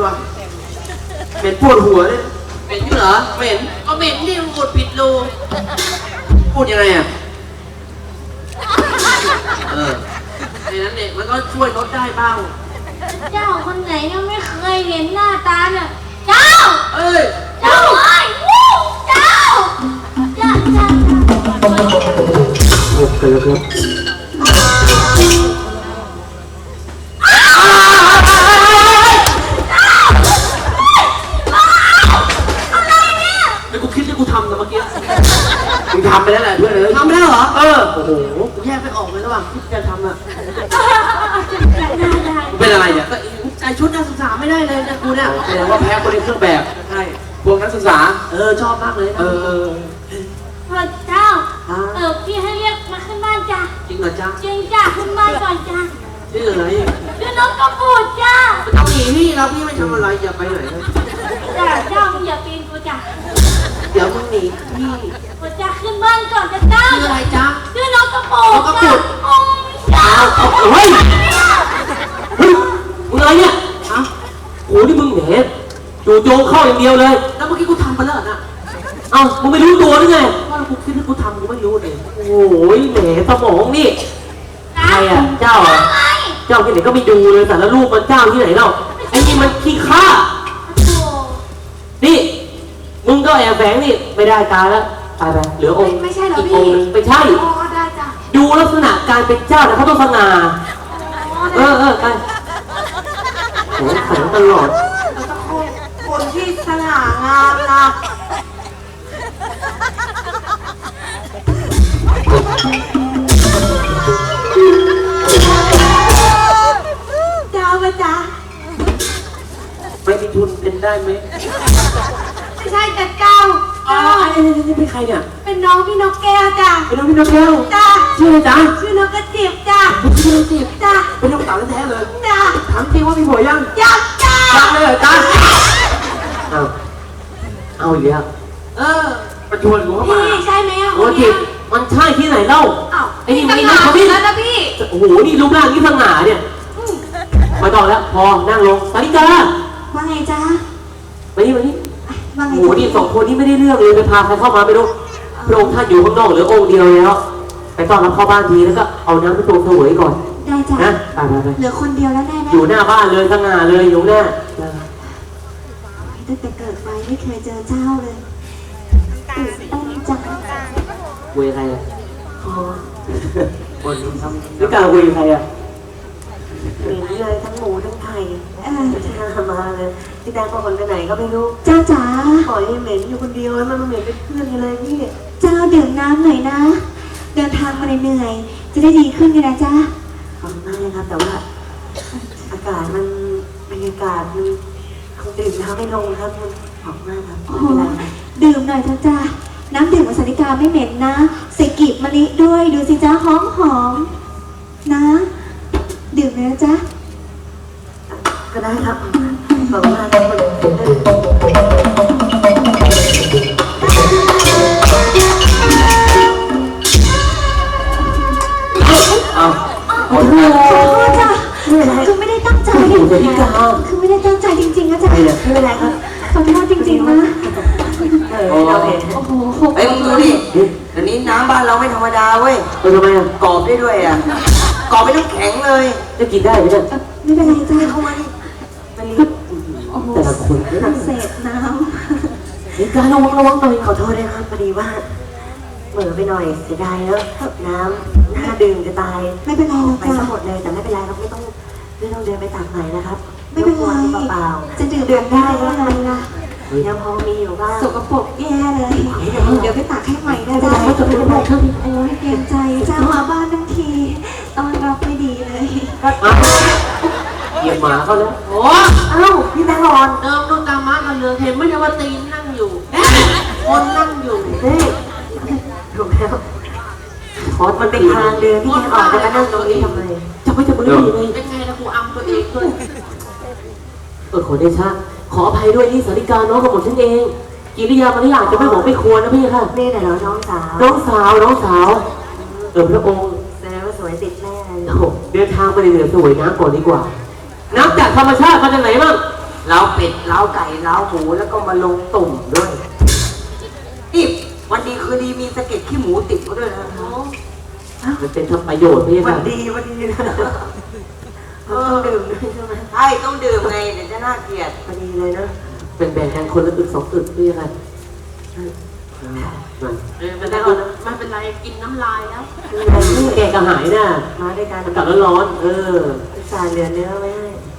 วะเหม็นปวดหัวเลยเหม็นอยู่เหรอเหม็นก็เหม็นที่อุดผิดรูพูดยังไงอ่ะในนั้นเนี่ยมันก็ช่วยลดได้บ้างเจ้าคนไหนยังไม่เคยเห็นหน้าตาเนี่ยเจ้าเอ้ยเจ้าเอ้ยเจ้าโอเคครับไอ้กูคิดที่กูทำแต่เมื่อกี้มึงทำไปแล้วแหละเพื่อนเลยทำไปแล้วเหรอโอ้โหกูแยกไม่ออกเลยระหว่างที่จะทำอ่ะเป็นอะไรเนี่ยก็ใส่ชุดนักศึกษาไม่ได้เลยนะกูเนี่ยแสดงว่าแพ้คนในเครื่องแบบใช่พวกนักศึกษาชอบมากเลยพ่อเจ้าพี่ให้เรียกมาขึ้นบ้านจ้ะจริงเหรอจ๊ะจริงจ้ะขึ้นบ้านก่อนจ้ะชื่ออะไรชื่อน้องกระปูดจ้ะไม่ต้องหนีพี่เราพี่ไม่ทำอะไรอย่าไปไหนเลยจ้ะเจ้ามึงอย่าปีนกูจ้ะเดี๋ยวมึงหนีพี่กูจะขึ้นบ้านก่อนจะเจ้าชื่ออะไรจ๊ะชื่อน้องกระปูดจ้ะเจ้าเฮ้ยมึงอะไรเนี่ยฮะโอ้นี่มึงแหนจู่โจงเข้าอย่างเดียวเลยแล้วเมื่อกี้กูทำไปแล้วนะเอ้ามึงไม่รู้ตัวหรือไงว่ากูคิดว่ากูทำกูไม่รู้เลยโอ้ยแหมสมองนี่ใครอ่ะเจ้าอ่ะเจ้าที่ไหนก็ไม่ดูเลยแต่ละรูปมันเจ้าที่ไหนเล่าไอ้นี่มันขี้ข้านี่มึงก็แอบแฝงนี่ไม่ได้ตาแล้วตายไปเหลือองค์ไม่ใช่เหรอพี่ไม่ใช่ได้จ้ะดูลักษณะการเป็นเจ้าแต่เขาต้องสง่าไปโอ้แข็งตลอดคนที่สง่างามนะเจ้าปะจ๊ะไม่มีทุนเป็นได้ไหมไม่ใช่แต่เก้านี่เป็นใครเนี่ยเป็นน้องพี่นกแก้วจ้ะเป็นน้องพี่นกแก้วจ้ะชื่ออะไรจ๊ะชื่อนกกระจิบจ้ะชื่อนกกระจิบจ้ะเป็นน้องสาวแท้เลยจ้ะถามจริงว่ามีผัวยังยังจ้ะยังเลยจ้ะเอาอีกแล้วประชวนหนูเข้ามาพี่ใช่ไหมอ่ะโอ้จิมันใช่ที่ไหนเล่าไอ้นี่มันนักพี่แล้วนะพี่โอ้โหนี่รูปร่างนี่สง่าเนี่ยมาต่อแล้วพอนั่งลงสาริกาว่าไงจ๊ะมานี่โอ้โหนี่สองคนนี้ไม่ได้เรื่องเลยไปพาใครเข้ามาไม่รู้พระองค์ท่านอยู่ข้างนอกเหลือองค์เดียวแล้วไปต้อนรับเข้าบ้านทีแล้วก็เอาน้ำไปตรงเสวยก่อนได้จ้ะนะไปเหลือคนเดียวแล้วแน่อยู่หน้าบ้านเลยสง่าเลยอยู่หน้าตั้งแต่เกิดมาไม่เคยเจอเจ้าเลยตื่นเต้นจังคุยใครอ่ะคนทำนี่กาคุยใครอ่ะเหม็นเลยทั้งหมูทั้งไข่มาเลยพี่แดงพอคนไปไหนก็ไม่รู้เจ้าจ๋าปล่อยให้เหม็นอยู่คนเดียวแล้วมันเหม็นเป็นเพื่อนกันเลยพี่เจ้าดื่มน้ำหน่อยนะเดินทางมาเหนื่อยจะได้ดีขึ้นกันนะจ้าขอบคุณมากเลยครับแต่ว่าอากาศมันบรรยากาศมันคงดื่มน้ำไม่ลงครับขอบมากครับดื่มหน่อยเถอะจ้าน้ำดื่มของสาริกาไม่เหม็นนะใส่กีบมะลิด้วยดูสิจ้าหอมนะดื่มเลยนะจ๊ะก็ได้ครับขอบคุณมากครับโอ้โหจ้ะคือไม่ได้ตั้งใจคือไม่ได้ตั้งใจจริงๆนะจ๊ะไม่เป็นไรครับขอโทษจริงๆนะเราเห็นโอ้โหไอ้มึงดูดิเดี๋ยวนี้น้ำบ้านเราไม่ธรรมดาเว้ยทำไมอ่ะกรอบได้ด้วยอ่ะกรอบไปน้ำแข็งเลยจะกินได้ไหมเนี่ยไม่เป็นไรจ้าเข้ามาดิแต่ละคนเศษน้ำนี่การระวังหน่อยขอโทษด้วยครับพอดีว่าเหม่อไปหน่อยเสียดายแล้วน้ำน่าดื่มจะตายไม่เป็นไรหรอกไปทั้งหมดเลยแต่ไม่เป็นไรครับไม่ต้องเดินไปตักใหม่นะครับไม่เป็นไรเปล่าจะดื่มได้ก็ได้นะยังพอมีอยู่บ้างสกปรกแย่เลยเดี๋ยวไปตักให้ใหม่ได้จะเป็นแบบนี้โอ้ยเกรงใจเจ้ามาบ้านทั้งทีต้อนรับไม่ดีเลยเหยียบหมาเขาแล้วโอ้เอ้าพี่แบงค์อ่อนเดิมดูตามม้ากันเลยเห็นไม่ใช่ว่าตีนนั่งอยู่คนนั่งอยู่นี่ถูกแล้วขอมันเป็นทางเดินพี่แบงค์อ่อนจะมานั่งตรงนี้ทำไมจะไม่จะมือดีไงเป็นไงนะครูอัมตัวเองด้วยขอเดชะขออภัยด้วยนี่สาริกาน้องกับผมฉันเองกิริยามารยาทจะไม่บอกไม่ควรนะพี่ค่ะนี่แต่เราน้องสาวพระองค์แสดงว่าสวยติดแม่เดินทางไปเหนือสวยน้ำก่อนดีกว่าน้ำจากธรรมชาติมาจากไหนบ้างเล้าเป็ดเล้าไก่เล้าหมูแล้วก็มาลงตุ่มด้วยนี่วันดีคือดีมีสะเก็ดขี้หมูติดมาด้วยนะมันเป็นทำประโยชน์พี่วัค่ะนดีวันดีนะต้องดื่มด้วยใช่ไหมใช่ต้องดื่มไงเดี๋ยวจะน่าเกลียดวันดีเลยนะเป็นแบ่งกันคนละอึกสองอึกพี่ค่ะไม่เป็นไรกินน้ำลายแล้วนี่แกกระหายน่ะมาด้วยกันมันกลับร้อนๆพิซซ่าเหลือเนื้อไว้ให้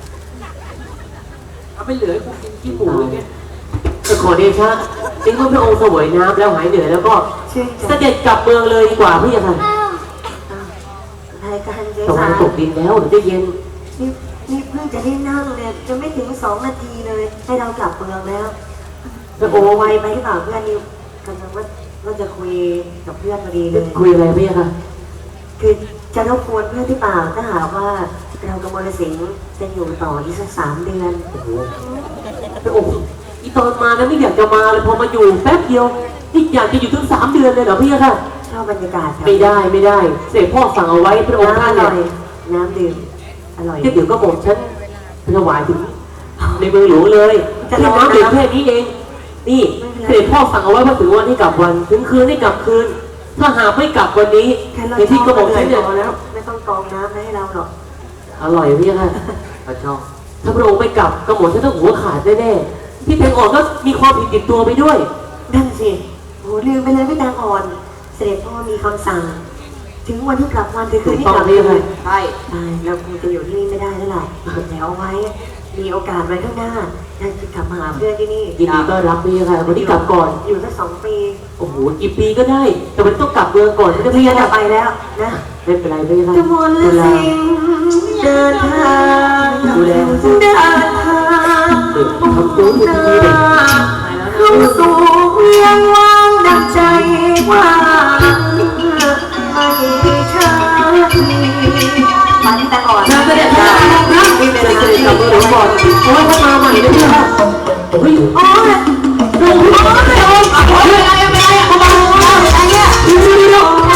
เอาไปเหลือกูกินขี้หมูอย่างเงี้ยจะขอเดชะจริงว่าพระองค์เสวยน้ำแล้วหายเหนื่อยแล้วก็ชื่นเสใจด็จกลับเมืองเลยดีกว่าพี่ค่ะรายการเจ๊ตะวัสานตกดินแล้วเดี๋ยวจะเย็นนี่เพิ่งจะได้นั่งเนี่ยจะไม่ถึง2 นาทีเลยให้เรากลับเมืองแล้วพระโอ้องค์ไวไปหรือเปล่าเพื่อนนิวกำลังว่าจะคุยกับเพื่อนพอดีเลยคุยอะไรพี่ค่ะคือจะรบกวนเพื่อนที่เปล่าถ้าหากว่าเรากับมรสิงห์จะอยู่ต่ออีกสัก3 เดือนโอ้โหพระองค์อีตอนมานั้นไม่อยากจะมาเลยพอมาอยู่แป๊บเดียวนี่อยากจะอยู่ถึง3 เดือนเลยเหรอพี่ค่ะชอบบรรยากาศครับไม่ได้เสด็จพ่อสั่งเอาไว้พระองค์ท่านน้ำอเนี่ร่อย ยน้ำดื่มอร่อยเดี๋ยวก็บอกฉันถวายถึงในเมืองหลวงเลยแค่น้ำดื่มแค่นี้เอง นี่เสด็จพ่อสั่งเอาไว้ว่าถึงวันให้กลับวันถึงคืนให้กลับคืน ถ้าหากไม่กลับวันนี้แค่เราในที่ก็บอกเลฉัยนเนี่ยพอแล้วไม่ต้องกรองน้ำให้เราหรอกอร่อยพี่ค่ะพระเจ้าถ้าพระองค์ไม่กลับกระหม่อมฉันต้องหัวขาดแน่ๆที่แตงอ่อนก็มีความผิดติดตัวไปด้วยนั่นสิโหลืมไปเลยพี่แตงอ่อน เสด็จพ่อมีคำสั่ง ถึงวันที่กลับวันถึงคืนที่กลับถูกต้องเลยใช่ตายเราคงจะอยู่ที่นี่ไม่ได้แล้วล่ะแต่เอาไว้ มีโอกาสไว้ข้างหน้าเราจะกลับมาหาเพื่อนที่นี่ยินดีต้อนรับพี่ค่ะวันนี้กลับก่อนอยู่สัก2 ปีโอ้โหกี่ปีก็ได้ แต่มันต้องกลับเมืองก่อนที่จะพี่พี่จะค่ะไปแล้วนะไม่เป็นไรพี่ค่ะกมลเวลาสิงห์เดินทางดูแลเดินทางเด็กทำตัวอยู่ที่นี่เด็กเข้าสู่เวียงว่างดังใจว่างไม่ช้ามันแต่ก่อนเสด็จพ่อครับเสด็จกลับเมืองหลวงก่อนโอ้ยเขามาใหม่เลยพี่ค่ะเฮ้ยโอ้ยดูพี่โอ้ยอะไรเขามาอะไรเนี่ยน้องก่อน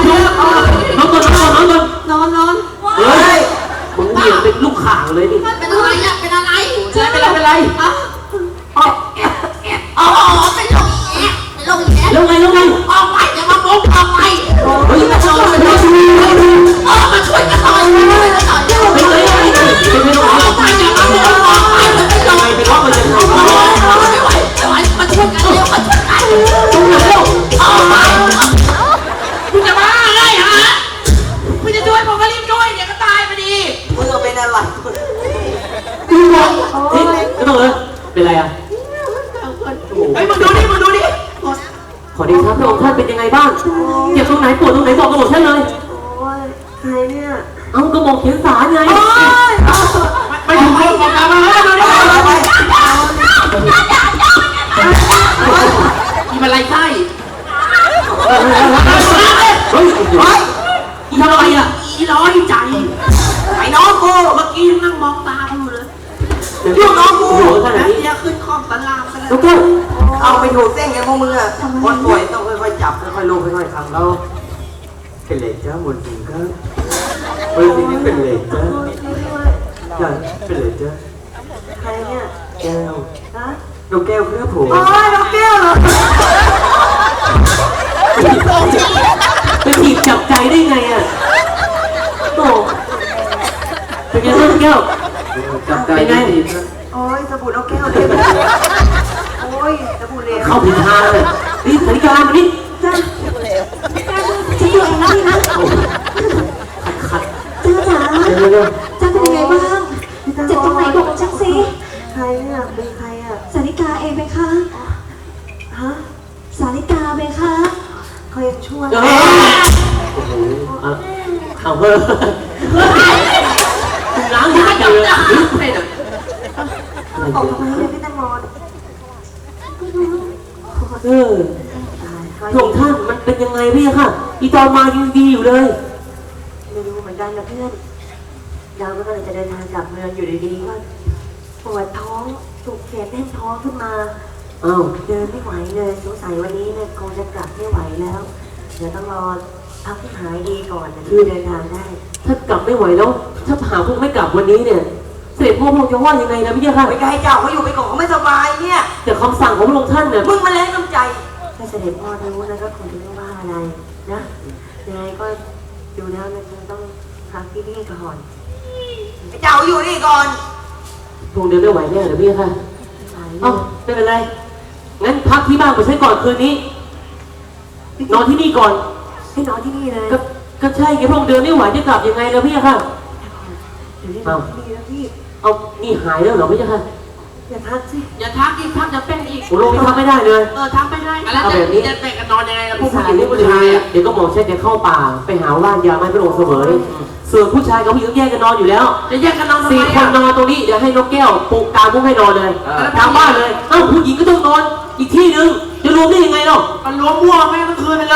เฮ้ยมึงเบี่ยงเป็นลูกข่างเลยนี่เป็นอะไรอะเป็นอะไรเป็นไรอ๋อเป็นลงแอะเป็นลงแอะแล้วไงออกไปจะมาบุกออกไปเฮ้ยมาช่วยกันหน่อยมาช่วยกันหน่อยช่วยกันหน่อยเป็นไรเป็นไรออกไปจะมาบุกออกไปเป็นลงเป็นไรเป็นไรไม่ไหวมาช่วยกันเร็วมาช่วยกันออกไปคุณจะบ้าไงฮะคุณจะช่วยผมก็รีบช่วยเดี๋ยวก็ตายพอดีมึงเอาเป็นอะไรนี่ไม่ต้องเลยเป็นไรอ่ะเฮ้ยมึงดูดิขอดีครับพระองค์ท่านเป็นยังไงบ้างเจ็บตรงไหนปวดตรงไหนบอกกระบอกฉันเลยโอ้ยใครเนี่ยเอากระบอกเขียนสารไงไม่ถูกไม่ถูกกันมาแล้วดูดิมีอะไรไส้เฮ้ยอีทำอะไรอ่ะอีร้อยใจไอ้น้องกูเมื่อกี้นั่งมองตากูเลยลูกน้องกูขนาดนี้เดี๋ยวขึ้นคอมตารางไปแล้วลูกแก้วเอาไปถูกเส้นไงพวกมึงอะคนป่วยต้องค่อยๆจับค่อยๆลูบค่อยๆทำแล้วเป็นเหล็กจ้าหมดจริงครับเฮ้ยทีนี้เป็นเหล็กจ้าจ้าเป็นเหล็กจ้าใครเนี่ยแก้วฮะนกแก้วครับผมโอ้ยน้องแก้วเหรอไปถีบจับใจได้ไงอ่ะโตเป็นไงลูกแก้วจับใจดีๆครับโอ้ยสบู่น้องแก้วเลยโอ้ยสบู่เหลวเข้าผิดทางเลยนี่สาริกามานี่จ้าจะอยู่เองนะพี่นะขัดจ้าจ๋าเร็วจ้าเป็นยังไงบ้างเจ็บตรงไหนบอกฉันสิใครเนี่ยเป็นใครอ่ะสาริกาเองไหมคะฮะสาริกาไหมคะเขายังช่วยโอ้โหเอาเพิ่มล้างยากันเลยออกมาเลยพี่แตงโมเออตายพระองค์ท่านมันเป็นยังไงพี่ค่ะอีตอนมายังดีอยู่เลยไม่รู้เหมือนกันนะเพื่อนเราก็เลยจะเดินทางกลับเมืองอยู่ดีๆก็ปวดท้องถูกแขนแน่นท้องขึ้นมาอ้าวเดินไม่ไหวเลยสงสัยวันนี้เนี่ยคงจะกลับไม่ไหวแล้ว เดี๋ยวต้องรอพักให้หายดีก่อนถึงจะเดินทางได้ถ้ากลับไม่ไหวแล้ว ถ้าหาพวกไม่กลับวันนี้เนี่ย เสด็จพ่อพระองค์จะว่ายังไงนะพี่ค่ะไปให้เจ้าเขาอยู่ไปก่อนเขาไม่สบายเนี่ยแต่คำสั่งของพระองค์ท่านเนี่ยมึงมาแรงน้ำใจถ้าเสด็จพ่อรู้แล้วก็คงจะไม่ว่าอะไรนะยังไงก็ดูแล้วมันคงต้องพักที่นี่ก่อนไอ้เจ้าอยู่นี่ก่อนพระองค์เดินไม่ไหวแน่เหรอพี่ค่ะไปเอ้าไม่เป็นไรงั้นพักที่บ้านไปใช้ก่อนคืนนี้ นอนที่นี่ก่อนให้นอนที่นี่เลยก็ใช่ไงพระองค์เดินไม่ไหวจะกลับยังไงแล้วพี่ค่ะเดี๋ยวได้นอนที่นี่แล้วพี่เอานี่หายแล้วเหรอพี่ค่ะอย่าทักสิอย่าทักอีกทักจะเป็นอีกโอ้โหนี่ทำไม่ได้เลยทักไม่ได้แล้วเอาแบบนี้จะแบ่งกันนอนยังไงล่ะพวผู้กชาผู้ยหญิงนี่ผู้ผู้ชาชายยเดี๋ยวก็หมอเช็ดจะเข้าป่าไปหาว่านยาไม้พระองค์เสมอส่วนผู้ชายกับผู้หญิงแยกกันนอนอยู่แล้วจะแยกกันนอนทำไม 4 คนนอนตรงนี้เดี๋ยวให้นกแก้วปลุกกางมุ้งให้นอนเลยกลางบ้านเลยเอ้าผู้หญิงก็ต้องนอนอีกที่หนึ่งจะรวมได้ยังไงเนาะมันรวมมั่วแม่งทั้งคืนไปเลย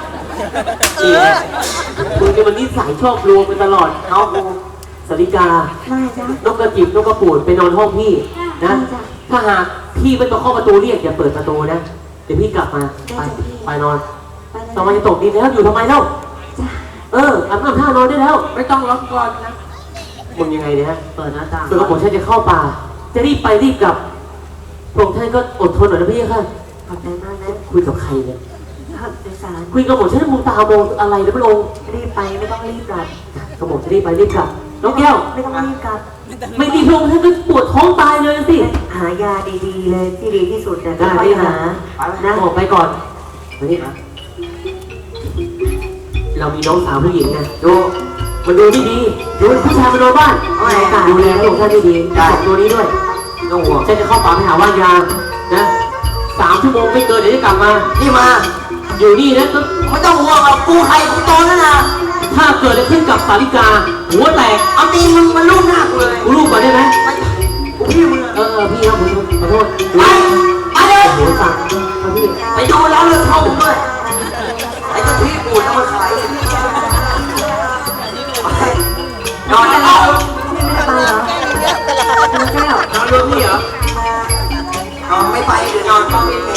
คุณจะมันนิสัยชอบรวมกันตลอดเอากูสาริกาได้จ้ะนกกระจิบนกกระปูดไปนอนห้องพี่นะ ถ้าหากพี่ไม่มาเคาะประตูเรียกอย่าเปิดประตูนะเดี๋ยวพี่กลับมาไปนอนไปเลยตอนมันจะตกดินแล้วอยู่ทำไมเล่าจ้ะอาบน้ำท่านอนได้แล้วไม่ต้องล็อกก่อนนะมึงยังไงเนี่ยฮะเปิดหน้าต่างส่วนกระผมฉันจะเข้าป่า จะรีบไปรีบกลับพระองค์ท่านก็อดทนหน่อยนะพี่ค่ะขอบใจมากนะคุยกับใครเนี่ยครับโดยสารคุยกับผมฉันมองตามองอะไรนะพระองค์รีบไปไม่ต้องรีบกลับกระผมจะรีบไปรีบกลับน้องแก้วไม่ต้องรีบกลับไม่รีบพระองค์ท่านก็ปวดท้องตายเลยสิหายาดีๆเลยที่ดีที่สุดแต่ได้ค่อยได้หานะออกไปก่อนมานี่นะเรามีน้องสาวผู้หญิงไงดูมันดูไม่ดีดูผู้ชายมานอนบ้านดูแลพระองค์ท่านไม่ดีจับตัวนี้ด้วยต้องห่วงฉันจะเข้าป่าไปหาว่านยานะ3 ชั่วโมงไม่เกินเดี๋ยวจะกลับมานี่มาอยู่นี่นะก็ไม่ต้องห่วงหรอกกูใครกูโตแล้วนะถ้าเกิดอะไรขึ้นกับสาริกา หัวแตกเอาตีนมึงมาลูบหน้ากูเลยกูลูกก่อนได้ไหมไปกูพี่มึงอะพี่ครับผมขอโทษไปเลยหัวสั่งครับพี่ไปดูร้านเลือดเข้าผมด้วยไอ้เจ้าที่ปูดเอามาขายไปนอนได้แล้วไปเหรอคุณแก้วนอนรวมนี่เหรอนอนไม่ไปเดี๋ยวนอนต้องมีแผล